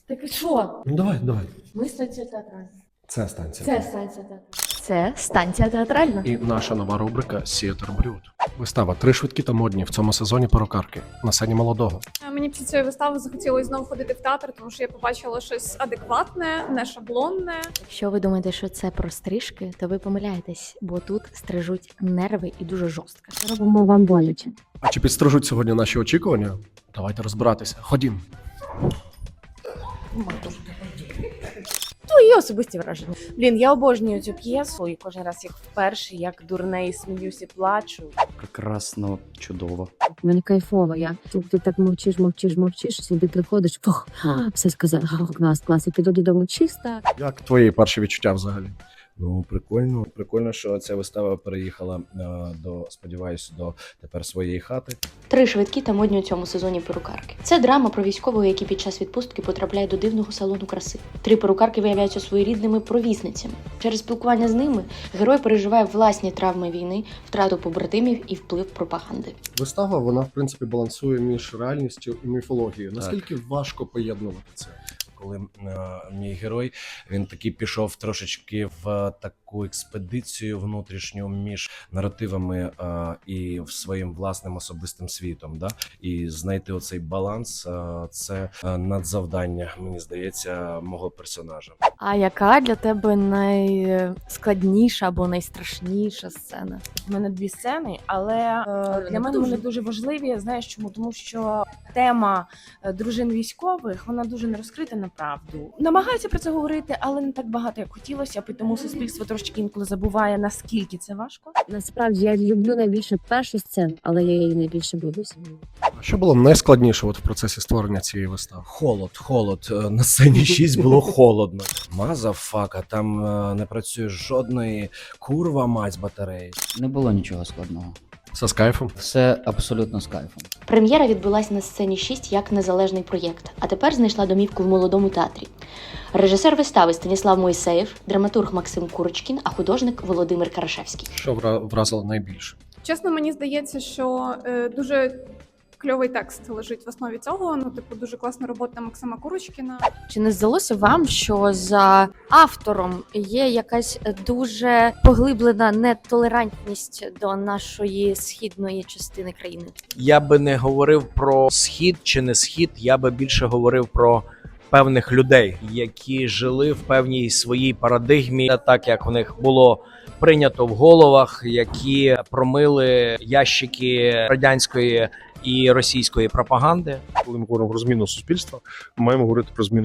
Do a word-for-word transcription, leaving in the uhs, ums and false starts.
Так і що? Ну давай, давай. Ми станція театральна. Це станція. Це станція театральна. Це станція театральна. І наша нова рубрика «Сіатр Брюд». Вистава «Три швидкі та модні» в цьому сезоні перукарки на сцені молодого. Мені після цієї вистави захотілося знову ходити в театр, тому що я побачила щось адекватне, не шаблонне. Якщо ви думаєте, що це про стрижки, то ви помиляєтесь, бо тут стрижуть нерви і дуже жорстко. Робимо вам боляче. А чи підстрижуть сьогодні наші очікування? Давайте розбиратися. Ходім. Твої особисті враження. Блін, я обожнюю цю п'єсу і кожен раз як вперше, як дурне і сміюсь і плачу. Прекрасно, чудово. У мене кайфово. Я ти, ти так мовчиш, мовчиш, мовчиш, сюди приходиш, фух, а, все сказав, а, клас, клас, і піду додому чиста. Як твої перші відчуття взагалі? Ну, прикольно. Прикольно, що ця вистава переїхала е, до, сподіваюся, до тепер своєї хати. Три швидкі та модні у цьому сезоні перукарки. Це драма про військового, який під час відпустки потрапляє до дивного салону краси. Три перукарки виявляються своєрідними провісницями. Через спілкування з ними герой переживає власні травми війни, втрату побратимів і вплив пропаганди. Вистава, вона, в принципі, балансує між реальністю і міфологією. Наскільки важко поєднувати це? Коли е, мій герой, він таки пішов трошечки в таку експедицію внутрішню між наративами е, і в своїм власним особистим світом. Да? І знайти оцей баланс е, – це е, надзавдання, мені здається, мого персонажа. А яка для тебе найскладніша або найстрашніша сцена? У мене дві сцени, але е, для мене вони дуже важливі. Знаєш чому? Тому що тема е, дружин військових, вона дуже не розкрита на правду. Намагаються про це говорити, але не так багато, як хотілося б, і тому суспільство трошки інколи забуває, наскільки це важко. Насправді я люблю найбільше першу сцену, але я її найбільше боюся. А що було найскладніше от в процесі створення цієї вистави? Холод, холод. Е, На сцені шість було холодно. Мазафака, там е, не працює жодної курва мать з батареї. Не було нічого складного. Все з кайфом? Все абсолютно з кайфом. Прем'єра відбулася на сцені шість як незалежний проєкт, а тепер знайшла домівку в молодому театрі. Режисер вистави Станіслав Мойсеєв, драматург Максим Курочкін, а художник Володимир Карашевський. Що вра- вразило найбільше? Чесно, мені здається, що е, дуже кльовий текст лежить в основі цього. Ну, типу, дуже класна робота Максима Курочкіна. Чи не здалося вам, що за автором є якась дуже поглиблена нетолерантність до нашої східної частини країни? Я би не говорив про схід чи не схід, я би більше говорив про певних людей, які жили в певній своїй парадигмі, так як в них було прийнято в головах, які промили ящики радянської і російської пропаганди. Коли ми говоримо про зміну суспільства, ми маємо говорити про зміну